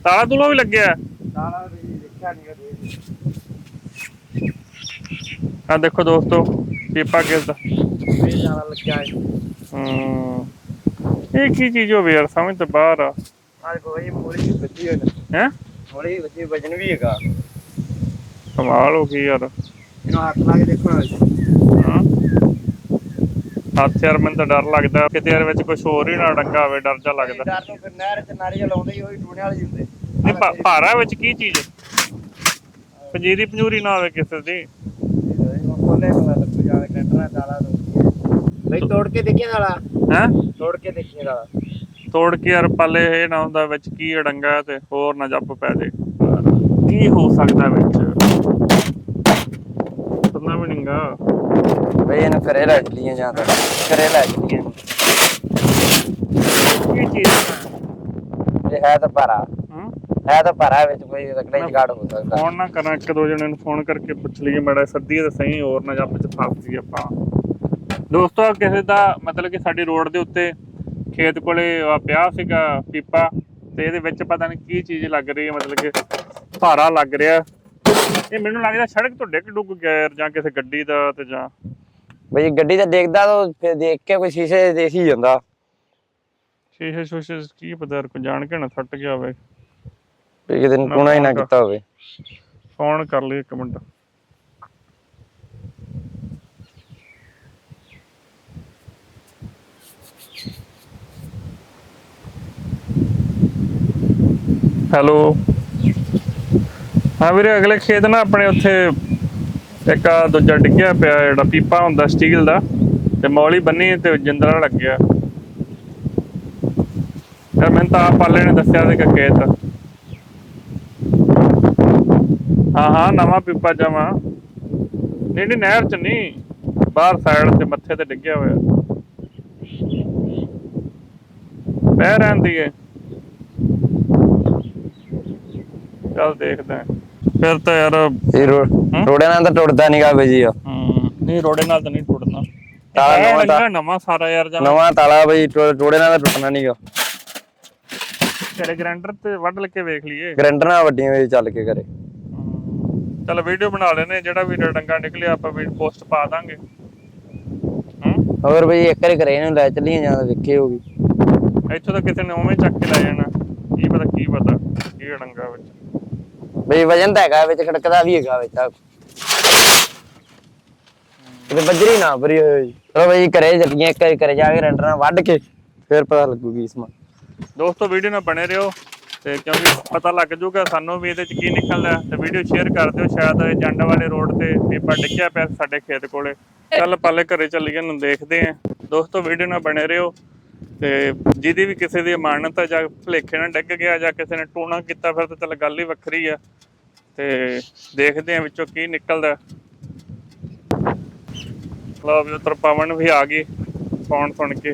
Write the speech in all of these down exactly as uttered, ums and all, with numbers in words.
ਤਾਲਾ ਤੂਲਾ ਵੀ ਲੱਗਿਆ? ਤਾਲਾ ਵੀ ਦੇਖਿਆ ਨਹੀਂ ਕਦੇ। ਆ ਦੇਖੋ ਦੋਸਤੋ ਪੀਪਾ ਕਿਸ ਦਾ ਇਹ ਤਾਲਾ ਲੱਗਿਆ ਹੈ। ਹੂੰ ਇਹ ਕੀ ਚੀਜ਼ ਹੋਵੇ ਯਾਰ, ਸਮਝ ਤੋਂ ਬਾਹਰ ਆ। ਆ ਕੋਈ ਮੋਲੀ ਵੀ ਵੱਜੀ ਹੋਈ ਹੈ ਮੋਲੀ ਵੱਜੀ, ਵਜਨ ਵੀ ਹੈਗਾ। ਕਮਾਲ ਹੋ ਗਈ ਯਾਰ। ਇਹਨੂੰ ਹੱਥ ਲਾ ਕੇ ਦੇਖੋ ਨਾ। ਹਾਂ ਹੱਥ ਯਾਰ ਮੈਨੂੰ ਤਾਂ ਡਰ ਲੱਗਦਾ ਕਿਤੇ ਯਾਰ ਵਿੱਚ ਕੁਛ ਹੋਰ ਹੀ ਨਾ ਡੰਗਾ ਹੋਵੇ, ਡਰ ਜਾ ਲੱਗਦਾ। ਡਰ ਨੂੰ ਫਿਰ ਨਹਿਰ ਚ ਨਾਰੀਅਲ ਲਾਉਂਦੇ ਹੀ, ਉਹੀ ਟੂਣੇ ਵਾਲੇ ਹੁੰਦੇ। ਨਹੀਂ ਭਾਰਾ ਵਿੱਚ ਕੀ ਚੀਜ਼ ਪੰਜੀਰੀ ਪੰਜੂਰੀ ਨਾ ਹੋਵੇ ਕਿਸੇ ਦੀ। ਖੋਲੇ ਪਤਾ ਲੱਗੂ ਜਾਵੇ ਟੈਂਟਰਾਂ ਤਾਲਾ ਬਈ ਤੋੜ ਕੇ ਦੇਖੀਏ ਤਾਲਾ। ਹੈ ਤੋੜ ਕੇ ਦੇਖੀਏ ਤਾਲਾ। ਤੋੜ ਕੇ ਯਾਰ ਪਾਲੇ ਇਹ ਨਾ ਹੁੰਦਾ ਵਿੱਚ ਕੀ ਡੰਗਾ ਤੇ ਹੋਰ ਨਾ ਜੱਪ ਪੈ ਜੇ। ਕੀ ਹੋ ਸਕਦਾ ਵਿੱਚ? ਪਤਾ ਵੀ ਨਹੀਂਗਾ ਬਈ ਇਹਨੂੰ ਘਰੇ ਲੈ ਚਲੀਏ ਜਾਂ ਤਾਂ ਘਰੇ ਲੈ ਚਲੀਏ। ਕੀ ਚੀਜ਼ ਇਹ ਹੈ ਤਾਂ ਭਾਰਾ। ਹੂੰ ਹੈ ਤਾਂ ਭਾਰਾ ਵਿੱਚ ਕੋਈ ਰਕੜੇ ਜਗਾੜ ਹੋ ਸਕਦਾ। ਫੋਨ ਨਾ ਕਰਾਂ ਇੱਕ ਦੋ ਜਣੇ ਨੂੰ ਫੋਨ ਕਰਕੇ ਪੁੱਛ ਲਈਏ ਮਾੜਾ ਸੱਦੀਏ ਤਾਂ ਸਹੀ, ਹੋਰ ਨਾ ਜੱਪ ਚ ਫਸ ਜੀ ਆਪਾਂ। ਦੋਸਤੋ ਕਿਸੇ ਦਾ ਮਤਲਬ ਕਿ ਸਾਡੀ ਰੋਡ ਦੇ ਉੱਤੇ ਖੇਤ ਕੋਲੇ ਪਿਆ ਸੀਗਾ ਪੀਪਾ ਤੇ ਇਹਦੇ ਵਿੱਚ ਪਤਾ ਨਹੀਂ ਕੀ ਚੀਜ਼ ਲੱਗ ਰਹੀ ਹੈ, ਮਤਲਬ ਕਿ ਭਾਰਾ ਲੱਗ ਰਿਹਾ। ਇਹ ਮੈਨੂੰ ਲੱਗਦਾ ਸੜਕ ਤੋਂ ਡਿੱਗ ਡੁੱਗ ਗਿਆ ਯਾਰ, ਜਾਂ ਕਿਸੇ ਗੱਡੀ ਦਾ ਤੇ ਜਾਂ ਬਈ ਗੱਡੀ ਤਾਂ ਦੇਖਦਾ ਤਾਂ ਫਿਰ ਦੇਖ ਕੇ ਕੋਈ ਸ਼ੀਸ਼ੇ ਦੇਖ ਹੀ ਜਾਂਦਾ। ਸ਼ੀਸ਼ੇ ਸ਼ੂਸ਼ੇ ਕੀ ਪਤਾ ਯਾਰ, ਕੋਈ ਜਾਣ ਕੇ ਨਾ ਫਟ ਗਿਆ ਹੋਵੇ। ਕਿਤੇ ਟੂਣਾ ਹੀ ਨਾ ਕੀਤਾ ਹੋਵੇ। ਫੋਨ ਕਰ ਲਈ ਇੱਕ ਮਿੰਟ। ਹੈਲੋ ਹਾਂ ਵੀਰੇ, ਅਗਲੇ ਖੇਤ ਨਾ ਆਪਣੇ ਉੱਥੇ ਇੱਕ ਆ ਦੂਜਾ ਡਿੱਗਿਆ ਪਿਆ ਜਿਹੜਾ ਪੀਪਾ ਹੁੰਦਾ ਸਟੀਲ ਦਾ, ਤੇ ਮੌਲੀ ਬੰਨੀ ਤੇ ਜਿੰਦਰਾ ਲੱਗਿਆ ਯਾਰ। ਮੈਨੂੰ ਤਾਂ ਆਪ ਪਾਲੇ ਨੇ ਦੱਸਿਆ ਸੀ ਕਿ ਖੇਤ ਹਾਂ ਹਾਂ ਨਵਾਂ ਪੀਪਾ ਜਮਾ ਨਹੀਂ ਨਹੀਂ ਨਹਿਰ ਚ ਨਹੀਂ, ਬਾਹਰ ਸਾਈਡ ਤੇ ਮੱਥੇ ਤੇ ਡਿੱਗਿਆ ਹੋਇਆ। ਪੈ ਰਹਿੰਦੀ ਹੈ, ਚੱਲ ਦੇਖਦੇ ਆ ਫਿਰ ਤਾਂ ਯਾਰ। ਇਹ ਰੋੜੇ ਨਾਲ ਤਾਂ ਟੁੱਟਦਾ ਨੀਗਾ ਬਈ ਜੀ। ਹੂੰ ਨਹੀਂ ਰੋੜੇ ਨਾਲ ਤਾਂ ਨਹੀਂ ਟੁੱਟਣਾ। ਤਾਲਾ ਨਵਾਂ ਨਵਾਂ ਸਾਰਾ ਯਾਰ ਨਵਾਂ ਤਾਲਾ ਬਈ, ਰੋੜੇ ਨਾਲ ਤਾਂ ਟੁੱਟਣਾ ਨੀਗਾ। ਘਰੇ ਗ੍ਰੈਂਡਰ ਤੇ ਵੱਢ ਲੈ ਕੇ ਵੇਖ ਲਈਏ। ਗ੍ਰੈਂਡਰ ਨਾਲ ਵੱਡੀਆਂ ਵਿੱਚ ਚੱਲ ਕੇ ਘਰੇ। ਚੱਲ ਵੀਡੀਓ ਬਣਾ ਲੈਨੇ, ਜਿਹੜਾ ਵੀ ਡੰਗਾ ਨਿਕਲਿਆ ਆਪਾਂ ਵੀ ਪੋਸਟ ਪਾ ਦਾਂਗੇ। ਹੋਰ ਬਈ ਇੱਕ ਵਾਰੀ ਘਰੇ ਇਹਨੂੰ ਲੈ ਚੱਲੀਏ ਜਾਂ ਵੇਖੇ ਹੋਗੀ। ਇੱਥੋਂ ਤਾਂ ਕਿਸੇ ਨੇ ਉਵੇਂ ਚੱਕ ਕੇ ਲੈ ਜਾਣਾ, ਕੀ ਪਤਾ ਕੀ ਪਤਾ ਕੀ ਡੰਗਾ ਵਿੱਚ। ਬਈ ਵਜਨ ਤਾਂ ਹੈਗਾ ਵਿੱਚ, ਖੜਕਦਾ ਵੀ ਹੈਗਾ ਵਿੱਚ। ਕਿਤੇ ਬੱਜਰੀ ਨਾ ਭਰੀ ਹੋਈ। ਚਲੋ ਬਈ ਘਰੇ ਚੱਲੀਏ, ਇੱਕ ਵਾਰੀ ਘਰੇ ਜਾ ਕੇ ਗ੍ਰੈਂਡਰ ਨਾਲ ਵੱਢ ਕੇ ਫਿਰ ਪਤਾ ਲੱਗੂਗੀ ਸਮਾਂ। ਦੋਸਤੋ ਵੀਡੀਓ ਨਾਲ ਬਣੇ ਰਹੋ ਤੇ ਕਿਉਂਕਿ ਪਤਾ ਲੱਗ ਜਾਊਗਾ ਸਾਨੂੰ ਵੀ ਇਹਦੇ ਚ ਕੀ ਨਿਕਲਦਾ। ਤੇ ਵੀਡੀਓ ਸ਼ੇਅਰ ਕਰ ਦਿਓ। ਸ਼ਾਇਦ ਇਹ ਜੰਡ ਵਾਲੇ ਰੋਡ ਤੇ ਪੀਪਾ ਡਿੱਗਿਆ ਪਿਆ ਸਾਡੇ ਖੇਤ ਕੋਲੇ। ਚੱਲ ਪਾਲੇ ਘਰੇ ਚੱਲੀਏ ਨੂੰ ਦੇਖਦੇ ਆ। ਦੋਸਤੋ ਵੀਡੀਓ ਨਾਲ ਬਣੇ ਰਹੋ ਤੇ ਜਿਹਦੀ ਵੀ ਕਿਸੇ ਦੀ ਅਮਾਨਤ ਆ ਜਾਂ ਭੁਲੇਖੇ ਨਾਲ ਡਿੱਗ ਗਿਆ ਜਾਂ ਕਿਸੇ ਨੇ ਟੂਣਾ ਕੀਤਾ ਫਿਰ ਤਾਂ ਚੱਲ ਗੱਲ ਹੀ ਵੱਖਰੀ ਆ। ਤੇ ਦੇਖਦੇ ਆ ਵਿੱਚੋਂ ਕੀ ਨਿਕਲਦਾ। ਲਓ ਵੀ ਉੱਧਰ ਪਵਨ ਵੀ ਆ ਗਈ ਫੋਨ ਸੁਣ ਕੇ।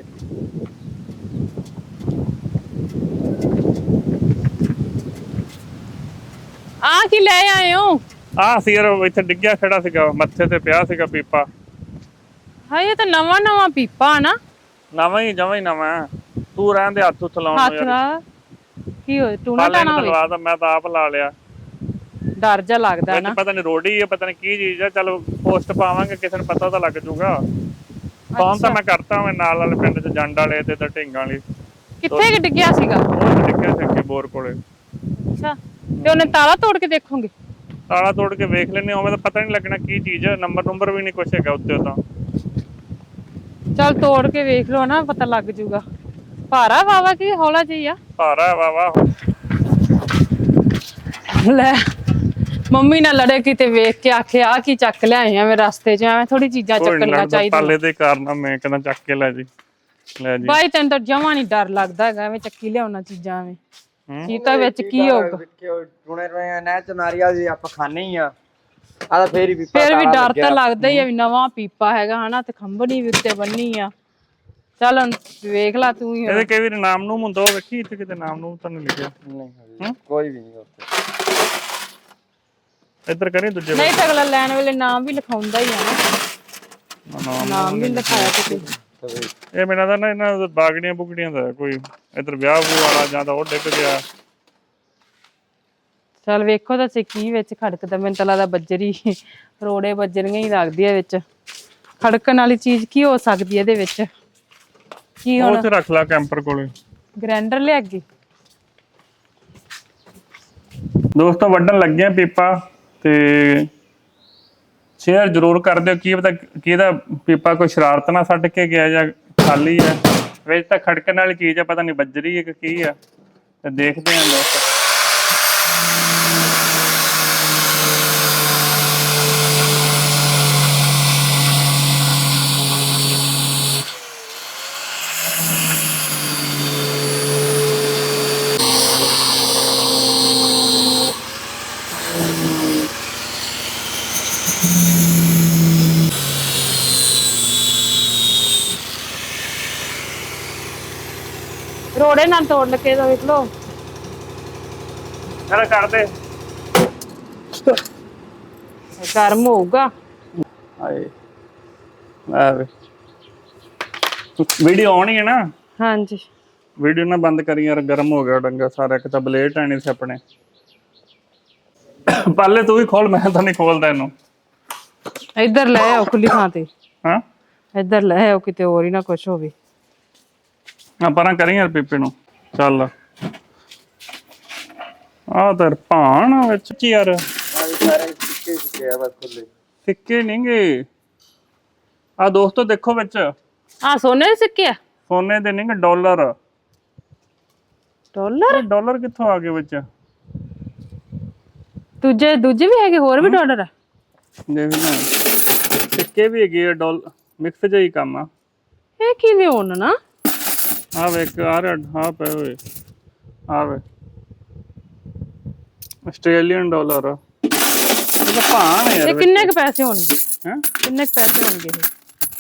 ਆ ਕੀ ਲੈ ਆਏ ਹੋ? ਆ ਸੀ ਯਾਰ ਇੱਥੇ ਡਿੱਗਿਆ ਖੜਾ ਸੀਗਾ, ਮੱਥੇ ਤੇ ਪਿਆ ਸੀਗਾ ਪੀਪਾ। ਹਾਂ ਇਹ ਤਾਂ ਨਵਾਂ ਨਵਾਂ ਪੀਪਾ ਨਾ। ਨਵਾਂ ਹੀ ਜਮਾਂ ਹੀ ਨਵਾਂ। ਤੂੰ ਰਹਿਣ ਦੇ ਹੱਥ ਉੱਥੇ ਲਾਉਣ ਨੂੰ ਯਾਰ। ਕੀ ਹੋਇਆ ਟੂਣਾ ਟਾਣਾ ਹੋਵੇ? ਲਵਾ ਤਾਂ ਮੈਂ ਤਾਂ ਆਪ ਲਾ ਲਿਆ। ਡਰ ਜਾ ਲੱਗਦਾ ਨਾ। ਪਤਾ ਨਹੀਂ ਰੋੜੀ ਹੈ, ਪਤਾ ਨਹੀਂ ਕੀ ਚੀਜ਼ ਆ। ਚਲ ਪੋਸਟ ਪਾਵਾਂਗੇ, ਕਿਸੇ ਨੂੰ ਪਤਾ ਤਾਂ ਲੱਗ ਜਾਊਗਾ। ਫੋਨ ਤਾਂ ਮੈਂ ਕਰਤਾ ਮੈਂ ਨਾਲ ਵਾਲੇ ਪਿੰਡ ਚ ਜੰਡ ਵਾਲੇ ਤੇ ਤਾਂ ਢਿੰਗਾਂ ਵਾਲੀ। ਕਿੱਥੇ ਕਿ ਡਿੱਗਿਆ ਸੀਗਾ? ਉਹ ਡਿੱਗਿਆ ਸੀ ਅੱਗੇ ਬੋਰ ਕੋਲੇ। ਅੱਛਾ ਤੇ ਉਹਨੇ ਤਾਲਾ ਤੋੜ ਕੇ ਦੇਖੋਗੇ? ਤਾਲਾ ਤੋੜ ਕੇ ਵੇਖ ਲੈਨੇ, ਉਵੇਂ ਤਾਂ ਪਤਾ ਨਹੀਂ ਲੱਗਣਾ ਕੀ ਚੀਜ਼ ਹੈ। ਨੰਬਰ ਨੰਬਰ ਵੀ ਨਹੀਂ ਕੁਛ ਹੈਗਾ ਉੱਤੇ ਤਾਂ। ਚੱਲ ਤੋੜ ਕੇ ਵੇਖ ਲਓ ਨਾ, ਪਤਾ ਲੱਗ ਜਾਊਗਾ। ਭਾਰਾ ਵਾਵਾ ਕੀ ਹੌਲਾ ਜਿਹੀ ਆ? ਭਾਰਾ ਵਾਵਾ। ਲੈ ਮੰਮੀ ਨਾਲ ਲੜੇ ਕਿਤੇ ਵੇਖ ਕੇ ਆਖੇ ਆ ਕੀ ਚੱਕ ਲਿਆਏ ਆ ਮੈਂ ਰਸਤੇ 'ਚ। ਐਵੇਂ ਥੋੜੀ ਚੀਜ਼ਾਂ ਚੱਕਣੀਆਂ ਚਾਹੀਦੀਆਂ। ਪਾਲੇ ਦੇ ਕਾਰਨ ਮੈਂ ਕਹਿੰਦਾ ਚੱਕ ਕੇ ਲੈ ਜੀ ਲੈ ਜੀ। ਬਾਈ ਤੈਨੂੰ ਤਾਂ ਜਮਾਂ ਨੀ ਡਰ ਲੱਗਦਾ ਹੈਗਾ ਐਵੇਂ ਚੱਕੀ ਲਿਆਉਣਾ ਚੀਜ਼ਾਂ ਐਵੇਂ। ਕੀ ਤਾਂ ਵਿੱਚ ਕੀ ਹੋਊਗਾ? ਟੂਣੇ ਟੂਣੇ ਨਹਿਰ ਚ ਨਾਰੀਅਲ ਜੀ ਆਪਾਂ ਖਾਣੇ ਹੀ ਆ। ਆ ਤਾਂ ਫੇਰ ਵੀ ਫੇਰ ਵੀ ਡਰ ਤਾਂ ਲੱਗਦਾ ਹੀ ਆ ਵੀ ਨਵਾਂ ਪੀਪਾ ਹੈਗਾ ਹਨਾ, ਤੇ ਖੰਭਣੀ ਵੀ ਉੱਤੇ ਬੰਨੀ ਆ। ਚੱਲ ਵੇਖ ਲਾ ਤੂੰ ਹੀ। ਇਹਦੇ ਕਈ ਵਾਰ ਨਾਮ ਨੂੰ ਹੁੰਦਾ, ਉਹ ਵੇਖੀ ਇੱਥੇ ਕਿਤੇ ਨਾਮ ਨੂੰ ਤਾਂ ਨਹੀਂ ਲਿਖਿਆ। ਨਹੀਂ ਕੋਈ ਵੀ ਨਹੀਂ ਉੱਥੇ। ਇੱਧਰ ਕਰੀ ਦੂਜੇ ਨਹੀਂ ਤਾਂ ਅਗਲਾ ਲੈਣ ਵੇਲੇ ਨਾਮ ਵੀ ਲਿਖਾਉਂਦਾ ਹੀ ਆ ਨਾ। ਨਾਮ ਵੀ ਲਿਖਾਇਆ ਕਿਤੇ। ਇਹ ਮੇਰਾ ਤਾਂ ਨਾ ਇਹਨਾਂ ਬਾਗੜੀਆਂ ਬੁਗੜੀਆਂ ਦਾ ਕੋਈ ਇੱਧਰ ਵਿਆਹ ਵੂ ਵਾਲਾ ਜਾਂ ਤਾਂ ਉਹ ਡਿੱਗ ਗਿਆ। ਚੱਲ ਵੇਖੋ ਤਾਂ ਕੀ ਵਿੱਚ ਖੜਕਦਾ। ਮੈਨੂੰ ਤਾਂ ਲੱਗਦਾ ਬੱਜਰੀ ਰੋੜੇ ਬੱਜਰੀਆਂ ਹੀ ਲੱਗਦੀ ਆ ਵਿੱਚ। ਖੜਕਣ ਵਾਲੀ ਚੀਜ਼ ਕੀ ਹੋ ਸਕਦੀ ਹੈ ਇਹਦੇ ਵਿੱਚ? ਕੀ ਉਹ ਹੁਣ ਉੱਥੇ ਰੱਖ ਲਾ ਕੈਂਪਰ ਕੋਲੇ। ਗ੍ਰੈਂਡਰ ਲਿਆ ਗਈ। ਦੋਸਤੋ ਵੱਢਣ ਲੱਗੇ ਆ ਪੀਪਾ, ਤੇ ਸ਼ੇਅਰ ਜ਼ਰੂਰ ਕਰ ਦਿਓ। ਕੀ ਪਤਾ ਕਿਹਦਾ ਪੀਪਾ ਕੋਈ ਸ਼ਰਾਰਤ ਨਾਲ ਛੱਡ ਕੇ ਗਿਆ ਜਾਂ ਖਾਲੀ ਹੈ। ਵਿੱਚ ਤਾਂ ਖੜਕਣ ਵਾਲੀ ਚੀਜ਼ ਆ, ਪਤਾ ਨਹੀਂ ਬੱਜਰੀ ਹੈ ਕਿ ਕੀ ਆ, ਤੇ ਦੇਖਦੇ ਹਾਂ ਦੋਸਤੋ। ਰੋੜੇ ਨਾਲ ਤੋੜ ਲਕੇ ਤਾਂ ਵੇਖ ਲੋ। ਚਲ ਕਰ ਦੇ। ਗਰਮ ਹੋਊਗਾ। ਹਾਏ ਆ ਵੇ, ਵੀਡੀਓ ਆਉਣੀ ਹੈ ਨਾ? ਹਾਂਜੀ ਵੀਡੀਓ ਨਾ ਬੰਦ ਕਰੀ ਯਾਰ, ਗਰਮ ਹੋ ਗਿਆ ਡੰਗਾ ਸਾਰਾ। ਇੱਕ ਤਾਂ ਬਲੇਡ ਆਣੀ ਸੀ ਆਪਣੇ। ਪਾਲੇ ਤੂੰ ਵੀ ਖੋਲ, ਮੈਂ ਤਾਂ ਨਹੀਂ ਖੋਲਦਾ ਇਹਨੂੰ। ਇੱਧਰ ਲੈ ਆਓ ਖੁੱਲੀ ਥਾਂ ਤੇ। ਹਾਂ ਇੱਧਰ ਲੈ ਆਓ, ਕਿਤੇ ਹੋਰ ਹੀ ਨਾ ਕੁਛ ਹੋਵੇ। ਆ ਪਰਾਂ ਕਰੀ ਯਾਰ ਪੀਪੇ ਨੂੰ। ਚੱਲ ਆ ਤਰ ਭਾਣ ਵਿੱਚ ਕੀ ਯਾਰ ਸਿੱਕੇ ਨਹੀਂ ਗੇ। ਆ ਦੋਸਤੋ ਦੇਖੋ ਵਿੱਚ ਆ ਸੋਨੇ ਦੇ ਸਿੱਕੇ ਆ? ਸੋਨੇ ਦੇ ਨਹੀਂ ਗੇ, ਡਾਲਰ। ਡਾਲਰ? ਡਾਲਰ ਕਿੱਥੋਂ ਆ ਗਏ ਵਿੱਚ? ਦੂਜੇ ਦੂਜੇ ਵੀ ਹੈਗੇ, ਹੋਰ ਵੀ ਡਾਲਰ ਆ? ਦੇਖ ਨਾ, ਸਿੱਕੇ ਵੀ ਹੈਗੇ ਆ, ਡਾਲਰ ਮਿਕਸ ਜਿਹਾ ਹੀ ਕੰਮ ਆ। ਇਹ ਕਿਵੇਂ ਹੋਣ ਨਾ? ਆ ਵੇਖ ਆ ਰਿਹਾ, ਆ ਪਏ ਹੋਏ ਆ ਵੇ ਆਸਟ੍ਰੇਲੀਅਨ ਡਾਲਰ। ਇਹ ਭਾਣ ਯਾਰ। ਇਹ ਕਿੰਨੇ ਕ ਪੈਸੇ ਹੋਣਗੇ? ਹੈ ਕਿੰਨੇ ਕ ਪੈਸੇ ਹੋਣਗੇ ਇਹ?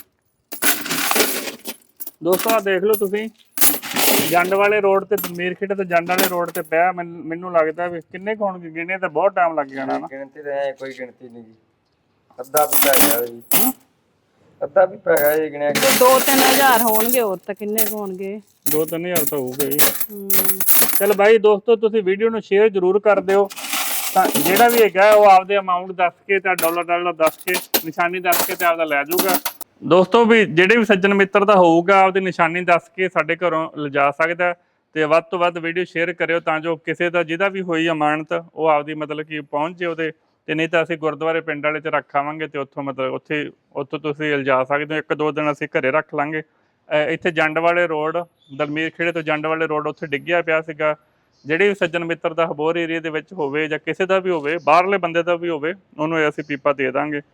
ਦੋਸਤੋ ਆ ਦੇਖ ਲਓ ਤੁਸੀਂ, ਜੰਡ ਵਾਲੇ ਰੋਡ ਤੇ, ਮੀਰਖੇੜੇ ਤੋਂ ਜੰਡ ਵਾਲੇ ਰੋਡ ਤੇ ਪਿਆ। ਮੈਨੂੰ ਲੱਗਦਾ ਵੀ ਕਿੰਨੇ ਕੁ ਹੋਣਗੇ, ਗਿਣੇ ਤਾਂ ਬਹੁਤ ਟਾਈਮ ਲੱਗ ਜਾਣਾ ਨਾ। ਗਿਣਤੀ ਤਾਂ ਐ ਕੋਈ ਗਿਣਤੀ ਨਹੀਂ ਜੀ। ਅੱਧਾ ਵੀ ਪੈ ਗਿਆ ਜੀ। ਅੱਧਾ ਵੀ ਪੈ ਗਿਆ ਜੀ ਗਿਣਿਆ। ਦੋ ਤਿੰਨ ਹਜ਼ਾਰ ਹੋਣਗੇ, ਹੋਰ ਤਾਂ ਕਿੰਨੇ ਕੁ ਹੋਣਗੇ? ਦੋ ਤਿੰਨ ਹਜ਼ਾਰ ਤਾਂ ਹੋਊਗਾ ਹੀ। ਹਮ ਚਲ ਬਾਈ ਦੋਸਤੋ, ਤੁਸੀਂ ਵੀਡੀਓ ਨੂੰ ਸ਼ੇਅਰ ਜ਼ਰੂਰ ਕਰ ਦਿਓ। ਤਾਂ ਜਿਹੜਾ ਵੀ ਹੈਗਾ ਉਹ ਆਪਦੇ ਅਮਾਊਂਟ ਦੱਸ ਕੇ, ਤਾਂ ਡਾਲਰ ਡਾਲਰ ਦੱਸ ਕੇ, ਨਿਸ਼ਾਨੀ ਦੱਸ ਕੇ ਤੇ ਆਪਦਾ ਲੈ ਜਾਊਗਾ। ਦੋਸਤੋ ਵੀ ਜਿਹੜੇ ਵੀ ਸੱਜਣ ਮਿੱਤਰ ਦਾ ਹੋਊਗਾ, ਆਪਦੀ ਨਿਸ਼ਾਨੀ ਦੱਸ ਕੇ ਸਾਡੇ ਘਰੋਂ ਲਿਜਾ ਸਕਦਾ। ਤੇ ਵੱਧ ਤੋਂ ਵੱਧ ਵੀਡੀਓ ਸ਼ੇਅਰ ਕਰਿਓ, ਤਾਂ ਜੋ ਕਿਸੇ ਦਾ ਜਿਹਦਾ ਵੀ ਹੋਈ ਅਮਾਨਤ ਉਹ ਆਪਦੀ ਮਤਲਬ ਕਿ ਪਹੁੰਚ ਜੇ ਉਹਦੇ। ਤੇ ਨਹੀਂ ਤਾਂ ਅਸੀਂ ਗੁਰਦੁਆਰੇ ਪਿੰਡ ਵਾਲੇ 'ਚ ਰੱਖਾਵਾਂਗੇ, ਤੇ ਉੱਥੋਂ ਮਤਲਬ ਉੱਥੇ ਉੱਥੋਂ ਤੁਸੀਂ ਲਿਜਾ ਸਕਦੇ ਹੋ। ਇੱਕ ਦੋ ਦਿਨ ਅਸੀਂ ਘਰੇ ਰੱਖ ਲਾਂਗੇ। ਇੱਥੇ ਜੰਡ ਵਾਲੇ ਰੋਡ, ਦਲਮੀਰ ਖੇੜੇ ਤੋਂ ਜੰਡ ਵਾਲੇ ਰੋਡ, ਉੱਥੇ ਡਿੱਗਿਆ ਪਿਆ ਸੀਗਾ। ਜਿਹੜੇ ਵੀ ਸੱਜਣ ਮਿੱਤਰ ਦਾ ਹਬੋਰ ਏਰੀਆ ਦੇ ਵਿੱਚ ਹੋਵੇ, ਜਾਂ ਕਿਸੇ ਦਾ ਵੀ ਹੋਵੇ, ਬਾਹਰਲੇ ਬੰਦੇ ਦਾ ਵੀ ਹੋਵੇ, ਉਹਨੂੰ ਅਸੀਂ ਪੀਪਾ ਦੇ ਦਾਂਗੇ।